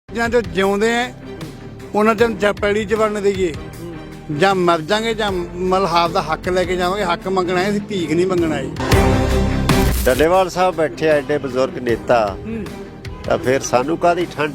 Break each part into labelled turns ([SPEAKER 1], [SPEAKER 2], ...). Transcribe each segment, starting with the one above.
[SPEAKER 1] ਜਾਂ ਜੋ ਜਿਉਂਦੇ ਆ ਉਹਨਾਂ ਚ ਜਾਂ ਪੈੜੀ ਚ ਵੜਨ ਦੇਈਏ ਜਾਂ ਮਰ ਜਾਗੇ ਜਾਂ ਮਲਹਾਬ ਦਾ ਹੱਕ ਲੈ ਕੇ ਜਾਵਾਂਗੇ। ਹੱਕ ਮੰਗਣਾ ਹੈ, ਅਸੀਂ ਭੀਖ ਨਹੀਂ ਮੰਗਣਾ ਜੀ।
[SPEAKER 2] ਡੱਲੇਵਾਲ ਸਾਹਿਬ ਬੈਠੇ ਆ ਐਡੇ ਬਜ਼ੁਰਗ ਨੇਤਾ, ਤਾਂ ਫਿਰ ਸਾਨੂੰ ਕਾਹਦੀ ਠੰਡ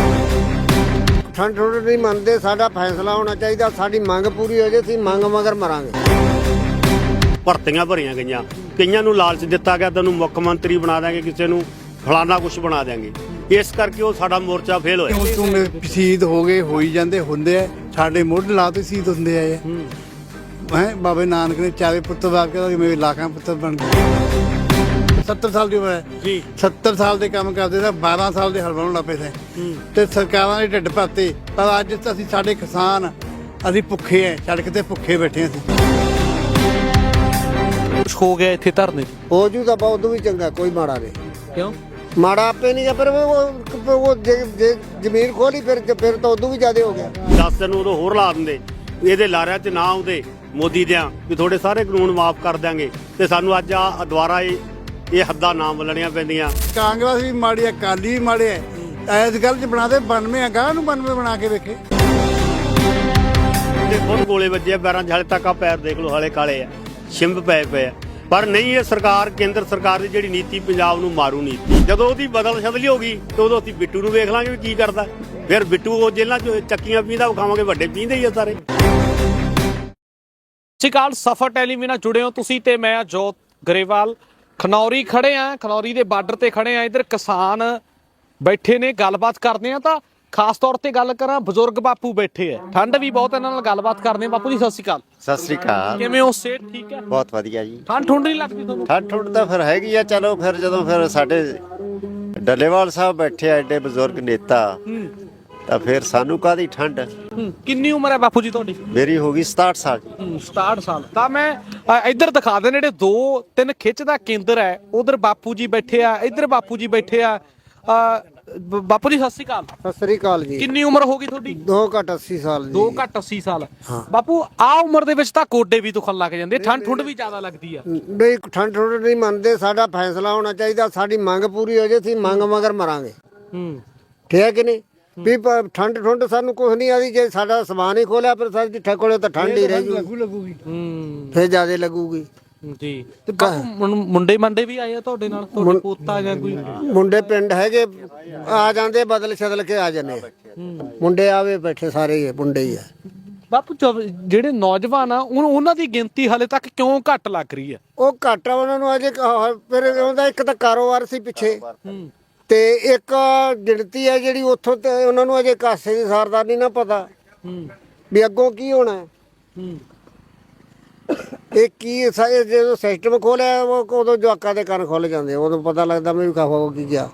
[SPEAKER 3] ਠੰਡ ਨਹੀਂ ਮੰਨਦੇ। ਸਾਡਾ ਫੈਸਲਾ ਹੋਣਾ ਚਾਹੀਦਾ, ਸਾਡੀ ਮੰਗ ਪੂਰੀ ਹੋ ਜੇ, ਅਸੀਂ ਮੰਗ ਮਗਰ ਮਰਾਂਗੇ।
[SPEAKER 4] ਭਰਤੀਆਂ ਭਰੀਆਂ ਗਈਆਂ, ਕਈਆਂ ਨੂੰ ਲਾਲਚ ਦਿੱਤਾ ਗਿਆ ਤੈਨੂੰ ਮੁੱਖ ਮੰਤਰੀ ਬਣਾ ਦਾਂਗੇ, ਕਿਸੇ ਨੂੰ ਫਲਾਣਾ ਕੁਝ ਬਣਾ ਦਾਂਗੇ। ਇਸ ਕਰਕੇ ਉਹ ਸਾਡਾ ਮੋਰਚਾ ਫੇਲ ਹੋਇਆ।
[SPEAKER 1] ਹੁਣ ਤੂੰ ਸ਼ਹੀਦ ਹੋ ਗਏ, ਹੋਈ ਜਾਂਦੇ ਹੁੰਦੇ ਆ, ਸਾਡੇ ਮੁੱਢ ਲਾ ਤੇ ਸ਼ਹੀਦ ਹੁੰਦੇ ਆਏ ਹੈ। ਬਾਬੇ ਨਾਨਕ ਨੇ ਚਾਰੇ ਪੁੱਤਰ ਬਾਪ ਕੇ ਮੇਰੇ ਲਾਖਾਂ ਪੁੱਤਰ ਬਣ ਗਏ। 70 ਸਾਲ ਦੀ ਉਮਰ ਹੈ ਜੀ, 70 ਸਾਲ ਦੇ ਕੰਮ ਕਰਦੇ ਸੀ, 12 ਸਾਲ ਦੇ ਹਲ ਬਣਾਉਣ ਲੱਗ ਪਏ ਸੀ ਤੇ ਸਰਕਾਰਾਂ ਦੇ ਢਿੱਡ ਭਰਤੇ। ਪਰ ਅੱਜ ਅਸੀਂ ਸਾਡੇ ਕਿਸਾਨ ਅਸੀਂ ਭੁੱਖੇ ਐ, ਸੜਕ ਤੇ ਭੁੱਖੇ ਬੈਠੇ ਅਸੀਂ।
[SPEAKER 5] ਕੁਛ ਹੋ ਗਿਆ ਇੱਥੇ ਧਰਨੇ
[SPEAKER 3] ਹੋ ਜੂ ਤਾਂ ਬਹੁਤ ਵੀ ਚੰਗਾ, ਕੋਈ ਮਾੜਾ ਨਹੀਂ।
[SPEAKER 5] ਕਿਉਂ
[SPEAKER 3] ਮਾੜਾ ਆਪੇ ਨਹੀਂ, ਪਰ ਉਹ ਜੇ ਜ਼ਮੀਨ ਖੋਲੀ ਫਿਰ ਤਾਂ ਉਦੋਂ ਵੀ ਜ਼ਿਆਦਾ ਹੋ ਗਿਆ।
[SPEAKER 4] 10 ਦਿਨ ਉਦੋਂ ਹੋਰ ਲਾ ਦਿੰਦੇ, ਇਹਦੇ ਲਾਰਿਆਂ 'ਚ ਨਾ ਆਉਂਦੇ ਮੋਦੀ ਦਿਆਂ ਵੀ ਤੁਹਾਡੇ ਸਾਰੇ ਕਾਨੂੰਨ ਮਾਫ ਕਰ ਦਿਆਂਗੇ, ਤੇ ਸਾਨੂੰ ਅੱਜ ਆ ਦੁਬਾਰਾ ਇਹ ਹੱਦਾਂ ਨਾ ਬੋਲਣੀਆਂ ਪੈਂਦੀਆਂ।
[SPEAKER 1] ਕਾਂਗਰਸ ਵੀ ਮਾੜੀ ਹੈ, ਅਕਾਲੀ ਵੀ ਮਾੜੇ ਹੈ। ਇਸ ਗੱਲ 'ਚ ਬਣਾ ਦੇ 92 ਆ, ਗਾਹ ਨੂੰ 92 ਬਣਾ ਕੇ ਵੇਖੇ।
[SPEAKER 4] ਤੇ ਖੁਦ ਗੋਲੇ ਵੱਜੇ ਆ ਪੈਰਾਂ 'ਚ, ਹਾਲੇ ਤੱਕ ਆ ਪੈਰ ਦੇਖ ਲਓ, ਹਾਲੇ ਕਾਲੇ ਆ, ਛਿੰਭ ਪਏ ਆ। ਪਰ ਨਹੀਂ, ਇਹ ਸਰਕਾਰ, ਕੇਂਦਰ ਸਰਕਾਰ ਦੀ ਜਿਹੜੀ ਨੀਤੀ ਪੰਜਾਬ ਨੂੰ ਮਾਰੂ ਨੀਤੀ, ਜਦੋਂ ਉਹਦੀ ਬਦਲ ਸ਼ਦਲੀ ਹੋ ਗਈ ਤੇ ਉਦੋਂ ਅਸੀਂ ਬਿੱਟੂ ਨੂੰ ਵੇਖ ਲਾਂਗੇ ਵੀ ਕੀ ਕਰਦਾ। ਫਿਰ ਬਿੱਟੂ ਉਹ ਜੇਲ੍ਹਾਂ 'ਚ ਚੱਕੀਆਂ ਪੀਂਦਾ ਵਿਖਾਵਾਂਗੇ, ਵੱਡੇ ਪੀਂਦੇ ਹੀ ਆ ਸਾਰੇ।
[SPEAKER 5] ਸਿਕਾਲ ਸਫਰ ਟੈਲੀਵਿਜ਼ਨ ਨਾਲ ਜੁੜੇ ਹੋ ਤੁਸੀਂ ਤੇ ਮੈਂ ਜੋਤ ਗਰੇਵਾਲ। ਖਨੌਰੀ ਖੜੇ ਆ, ਖਨੌਰੀ ਦੇ ਬਾਰਡਰ ਤੇ ਖੜੇ ਆ। ਇੱਧਰ ਕਿਸਾਨ ਬੈਠੇ ਨੇ, ਗੱਲਬਾਤ ਕਰਦੇ ਆ। ਤਾਂ ਖਾਸ ਤੌਰ ਤੇ ਗੱਲ ਕਰਾਂ, ਬਜ਼ੁਰਗ ਬਾਪੂ ਬੈਠੇ ਆ, ਠੰਡ ਵੀ ਬਹੁਤ, ਇਹਨਾਂ ਨਾਲ ਗੱਲਬਾਤ ਕਰਦੇ ਆ। ਬਾਪੂ ਜੀ ਸਤਿ ਸ਼੍ਰੀ ਅਕਾਲ।
[SPEAKER 2] ਸਤਿ ਸ੍ਰੀ ਅਕਾਲ।
[SPEAKER 5] ਕਿਵੇਂ ਹੋ? ਸਿਹਤ ਠੀਕ ਹੈ?
[SPEAKER 2] ਬਹੁਤ ਵਧੀਆ ਜੀ।
[SPEAKER 5] ਠੰਡ ਠੁੰਡ ਨਹੀਂ ਲੱਗਦੀ ਤੁਹਾਨੂੰ?
[SPEAKER 2] ਠੰਡ ਠੁੰਡ ਤਾਂ ਫਿਰ ਹੈਗੀ ਆ। ਚਲੋ ਫਿਰ ਜਦੋਂ ਫਿਰ ਸਾਡੇ ਡੱਲੇਵਾਲ ਸਾਹਿਬ ਬੈਠੇ ਆ ਐਡੇ ਬਜ਼ੁਰਗ ਨੇਤਾ, ਤਾਂ ਫਿਰ ਸਾਨੂੰ ਕਾਹਦੀ ਠੰਡ।
[SPEAKER 5] ਕਿੰਨੀ ਉਮਰ ਹੈ ਬਾਪੂ ਜੀ ਤੁਹਾਡੀ?
[SPEAKER 2] ਮੇਰੀ ਹੋ ਗਈ 67 ਸਾਲ ਜੀ।
[SPEAKER 5] 67 ਸਾਲ। ਤਾਂ ਮੈਂ ਇੱਧਰ ਦਿਖਾ ਦੇ, ਜਿਹੜੇ 2-3 ਖਿੱਚ ਦਾ ਕੇਂਦਰ ਹੈ, ਉਧਰ ਬਾਪੂ ਜੀ ਬੈਠੇ ਆ, ਇੱਧਰ ਬਾਪੂ ਜੀ ਬੈਠੇ ਆ। ਬਾਪੂ ਜੀ ਸਤਿ ਸ਼੍ਰੀ ਅਕਾਲ।
[SPEAKER 3] ਸਤਿ ਸ੍ਰੀ ਅਕਾਲ ਜੀ।
[SPEAKER 5] ਕਿੰਨੀ ਉਮਰ ਹੋ ਗਈ ਤੁਹਾਡੀ?
[SPEAKER 3] 2 ਘੱਟ 80 ਸਾਲ ਜੀ।
[SPEAKER 5] 2 ਘੱਟ 80 ਸਾਲ। ਬਾਪੂ ਆ ਉਮਰ ਦੇ ਵਿੱਚ ਤਾਂ ਗੋਡੇ ਵੀ ਦੁਖਣ ਲੱਗ ਜਾਂਦੇ, ਠੰਡ ਠੁੰਡ ਵੀ ਜ਼ਿਆਦਾ ਲੱਗਦੀ ਆ।
[SPEAKER 3] ਨਹੀਂ, ਠੰਡ ਨਹੀਂ ਮੰਨਦੇ। ਸਾਡਾ ਫੈਸਲਾ ਹੋਣਾ ਚਾਹੀਦਾ, ਸਾਡੀ ਮੰਗ ਪੂਰੀ ਹੋ ਜੇ, ਅਸੀਂ ਮੰਗ ਮਗਰ ਮਰਾਂਗੇ। ਠੀਕ ਹੈ ਕਿ ਨਹੀਂ? ਵੀ ਠੰਡ ਠੁੰਡ ਸਾਨੂੰ ਕੁਝ ਨਹੀਂ ਆਦੀ। ਜੇ ਸਾਡਾ ਸਮਾਨ ਹੀ ਖੋਲਿਆ ਫਿਰ ਸਾਡੀ ਠੱਕੋਲੇ ਤਾਂ ਠੰਡ ਹੀ ਰਹੇਗੀ, ਫਿਰ ਜ਼ਿਆਦਾ ਲੱਗੂਗੀ
[SPEAKER 5] ਜੀ। ਤੇ ਬਾਪੂ ਮੁੰਡੇ ਮੰਡੇ ਵੀ ਆਏ ਆ ਤੁਹਾਡੇ ਨਾਲ? ਤੁਹਾਡੇ ਪੋਤਾ ਜਾਂ ਕੋਈ
[SPEAKER 3] ਮੁੰਡੇ ਪਿੰਡ ਹੈਗੇ, ਆ ਜਾਂਦੇ, ਬਦਲ ਛਦਲ ਕੇ ਆ ਜਾਂਦੇ। ਮੁੰਡੇ ਆਵੇ ਬੈਠੇ, ਸਾਰੇ ਮੁੰਡੇ ਹੀ ਆ।
[SPEAKER 5] ਬਾਪੂ ਜਿਹੜੇ ਨੌਜਵਾਨ ਆ, ਉਹਨਾਂ ਦੀ ਗਿਣਤੀ ਹਾਲੇ ਤੱਕ ਕਿਉਂ ਘੱਟ ਲੱਗ ਰਹੀ ਆ?
[SPEAKER 3] ਉਹ ਘੱਟ ਆ, ਉਹਨਾਂ ਨੂੰ ਅਜੇ ਫਿਰ ਉਹਦਾ ਇੱਕ ਤਾਂ ਕਾਰੋਬਾਰ ਸੀ ਪਿੱਛੇ, ਤੇ ਇੱਕ ਗਿਣਤੀ ਹੈ ਜਿਹੜੀ ਉੱਥੋਂ ਤੇ ਉਹਨਾਂ ਨੂੰ ਅਜੇ ਕਾਸੇ ਦੀ ਸਾਰਦਾਰ ਨਹੀਂ ਨਾ ਪਤਾ ਵੀ ਅੱਗੋਂ ਕੀ ਹੋਣਾ। ਇਹ ਕੀ ਜਦੋਂ ਸਿਸਟਮ ਖੋਲਿਆ, ਉਦੋਂ ਜਵਾਕਾਂ ਦੇ ਕੰਨ ਖੁੱਲ ਜਾਂਦੇ, ਉਦੋਂ ਪਤਾ ਲੱਗਦਾ ਮੈਂ ਵੀ ਖਾਵਾ ਕੀ ਗਿਆ।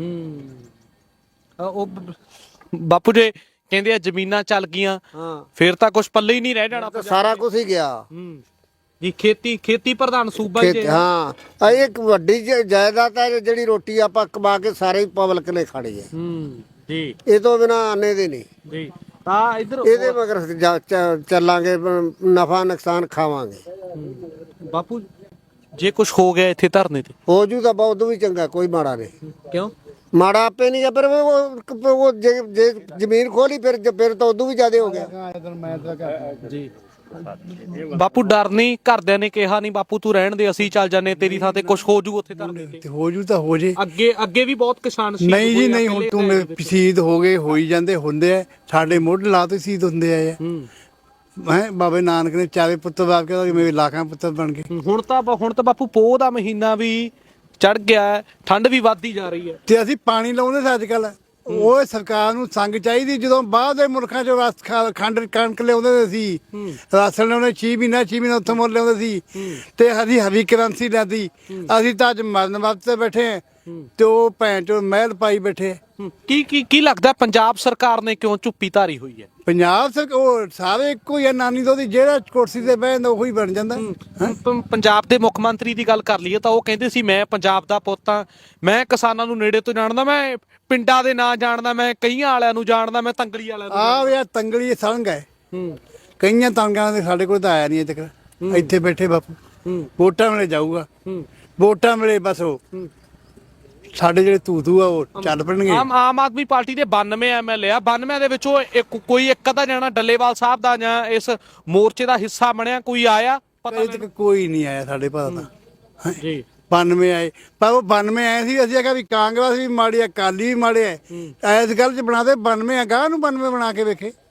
[SPEAKER 5] ਉਹ ਬਾਪੂ ਜੀ ਕਹਿੰਦੇ ਆ ਜ਼ਮੀਨਾਂ ਚੱਲ ਗਈਆਂ, ਫਿਰ ਤਾਂ ਕੁਝ ਪੱਲੇ ਹੀ ਨਹੀਂ ਰਹਿ ਜਾਣਾ,
[SPEAKER 3] ਸਾਰਾ ਕੁਝ ਹੀ ਗਿਆ
[SPEAKER 5] ਜੀ। ਖੇਤੀ ਪ੍ਰਧਾਨ ਸੂਬਾ ਹੀ।
[SPEAKER 3] ਹਾਂ, ਇਹ ਇੱਕ ਵੱਡੀ ਜਾਇਦਾਦ ਹੈ ਜਿਹੜੀ ਰੋਟੀ ਆਪਾਂ ਕਮਾ ਕੇ ਸਾਰੇ ਪਬਲਿਕ ਨੇ ਖਾਣੀ ਹੈ
[SPEAKER 5] ਜੀ।
[SPEAKER 3] ਇਹ ਤੋਂ ਬਿਨਾਂ ਆਨੇ ਦੇ ਨਹੀਂ
[SPEAKER 5] ਜੀ। ਤਾਂ ਇੱਧਰ
[SPEAKER 3] ਇਹਦੇ ਮਗਰ ਚੱਲਾਂਗੇ, ਨਫਾ ਨੁਕਸਾਨ ਖਾਵਾਂਗੇ।
[SPEAKER 5] ਬਾਪੂ ਜੇ ਕੁਝ ਹੋ ਗਿਆ ਇੱਥੇ ਧਰਨੇ ਤੇ?
[SPEAKER 3] ਹੋ ਜੂ ਤਾਂ ਬਹੁਤ ਵੀ ਚੰਗਾ, ਕੋਈ ਮਾੜਾ ਨਹੀਂ।
[SPEAKER 5] ਕਿਉਂ
[SPEAKER 3] ਮਾੜਾ ਆਪੇ ਨਹੀਂ, ਪਰ ਉਹ ਜੇ ਜ਼ਮੀਨ ਖੋਲੀ ਫਿਰ ਤਾਂ ਉਦੋਂ ਵੀ ਜ਼ਿਆਦਾ ਹੋ ਗਿਆ
[SPEAKER 5] ਜੀ। ਬਾਪੂ ਡਰ ਨਹੀਂ? ਘਰਦਿਆਂ ਨੇ ਕਿਹਾ ਨਹੀਂ ਬਾਪੂ ਤੂੰ ਰਹਿਣ ਦੇ, ਅਸੀਂ ਚੱਲ ਜਾਂਦੇ ਤੇਰੀ ਥਾਂ ਤੇ, ਕੁਝ ਹੋ ਜੂ ਉੱਥੇ ਧਰਨੇ ਤੇ?
[SPEAKER 1] ਹੋ ਜੂ ਤਾਂ ਹੋ ਜੇ।
[SPEAKER 5] ਅੱਗੇ ਵੀ ਬਹੁਤ ਕਿਸਾਨ ਸੀ।
[SPEAKER 1] ਨਹੀਂ ਜੀ ਨਹੀਂ, ਹੁਣ ਤੂੰ ਸ਼ਹੀਦ ਹੋ ਗਏ, ਹੋਈ ਜਾਂਦੇ ਹੁੰਦੇ ਆ, ਸਾਡੇ ਮੁੱਢ ਲਾ ਤੇ ਸ਼ਹੀਦ ਹੁੰਦੇ ਆਏ ਹੈ। ਬਾਬੇ ਨਾਨਕ ਨੇ ਚਾਰੇ ਪੁੱਤਰ ਬਾਪ ਕੇ ਮੇਰੇ ਲਾਖਾਂ ਪੁੱਤਰ ਬਣ ਗਏ।
[SPEAKER 5] ਹੁਣ ਤਾਂ ਬਾਪੂ ਪੋਹ ਦਾ ਮਹੀਨਾ ਵੀ ਚੜ ਗਿਆ, ਠੰਡ ਵੀ ਵੱਧਦੀ ਜਾ ਰਹੀ ਹੈ
[SPEAKER 1] ਤੇ ਅਸੀਂ ਪਾਣੀ ਲਾਉਂਦੇ ਸੀ ਅੱਜ ਕੱਲ। ਉਹ ਸਰਕਾਰ ਨੂੰ ਸੰਗ ਚਾਹੀਦੀ, ਜਦੋਂ ਬਾਹਰ ਦੇ ਮੁਲਕਾਂ ਚੋਂ ਖੰਡ ਕਣਕ ਲਿਆਉਂਦੇ ਸੀ, ਰਾਸ਼ਨ ਲਿਆਉਂਦੇ 6 ਮਹੀਨਾ ਉੱਥੋਂ ਮੁੱਲ ਲਿਆਉਂਦੇ ਸੀ, ਤੇ ਅਸੀਂ ਹਰੀ ਕਰੰਸੀ ਲੈਂਦੀ। ਅਸੀਂ ਤਾਂ ਅੱਜ ਮਰਨ ਵਕਤ ਤੇ ਬੈਠੇ ਆ, ਤੇ ਉਹ ਭੈਣ ਚੋਂ ਮਹਿਲ ਪਾਈ ਬੈਠੇ।
[SPEAKER 5] ਕੀ ਲੱਗਦਾ ਪੰਜਾਬ ਸਰਕਾਰ ਨੇ ਕਿਉਂ ਚੁੱਪੀ ਧਾਰੀ ਹੋਈ ਹੈ?
[SPEAKER 1] ਪੰਜਾਬ ਸਰਕਾਰ ਉਹ ਸਾਰੇ ਇੱਕੋ ਹੀ ਆ, ਨਾਨੀ ਤੋਂ ਜਿਹੜਾ ਕੁਰਸੀ ਤੇ ਬਹਿ ਜਾਂਦਾ ਉਹੀ ਬਣ ਜਾਂਦਾ।
[SPEAKER 5] ਪੰਜਾਬ ਦੇ ਮੁੱਖ ਮੰਤਰੀ ਦੀ ਗੱਲ ਕਰ ਲਈਏ ਤਾਂ ਉਹ ਕਹਿੰਦੇ ਸੀ ਮੈਂ ਪੰਜਾਬ ਦਾ ਪੁੱਤ ਹਾਂ, ਮੈਂ ਕਿਸਾਨਾਂ ਨੂੰ ਨੇੜੇ ਤੋਂ ਜਾਣਦਾ, ਮੈਂ ਪਿੰਡਾਂ ਦੇ ਨਾਂ ਜਾਣਦਾ, ਮੈਂ ਕਈਆਂ ਵਾਲਿਆਂ ਨੂੰ ਜਾਣਦਾ, ਮੈਂ ਤੰਗਲੀ ਵਾਲਿਆਂ ਨੂੰ।
[SPEAKER 1] ਆਹ ਯਾਰ ਤੰਗਲੀ ਸੰਗ ਹੈ, ਕਈਆਂ ਤੰਗਾਂ ਦੇ ਸਾਡੇ ਕੋਲ ਤਾਂ ਆਇਆ ਨਹੀਂ ਅਜੇ ਤੱਕ। ਇੱਥੇ ਬੈਠੇ ਬਾਪੂ, ਵੋਟਾਂ ਵੇਲੇ ਜਾਊਗਾ, ਵੋਟਾਂ ਵੇਲੇ ਬਸ ਉਹ ਸਾਡੇ ਜਿਹੜੇ ਤੂਤੂ ਆ ਉਹ ਚੱਲ ਪੈਣਗੇ।
[SPEAKER 5] ਆਮ ਆਦਮੀ ਪਾਰਟੀ ਦੇ 92 ਐਮਐਲਏ ਆ, 92 ਦੇ ਵਿੱਚੋਂ ਕੋਈ ਇੱਕ ਅੱਧਾ ਜਾਣਾ ਡੱਲੇਵਾਲ ਸਾਹਿਬ ਦਾ ਜਾਂ ਇਸ ਮੋਰਚੇ ਦਾ ਹਿੱਸਾ ਬਣਿਆ, ਕੋਈ ਆਇਆ ਪਤਾ
[SPEAKER 1] ਅਜੇ ਤੱਕ ਕੋਈ ਨਹੀਂ ਆਇਆ ਸਾਡੇ ਪਤਾ ਤਾਂ
[SPEAKER 5] ਜੀ
[SPEAKER 1] 92 ਆਏ, ਪਰ ਉਹ 92 ਆਏ ਸੀ, ਅਸੀਂ ਆਖਿਆ ਵੀ ਕਾਂਗਰਸ ਵੀ ਮਾੜੀ ਆ, ਅਕਾਲੀ ਵੀ ਮਾੜੇ ਆ, ਇਸ ਗੱਲ 'ਚ ਬਣਾ ਦੇ 92 ਆ, ਗਾਹ ਨੂੰ 92 ਬਣਾ ਕੇ ਵੇਖੇ।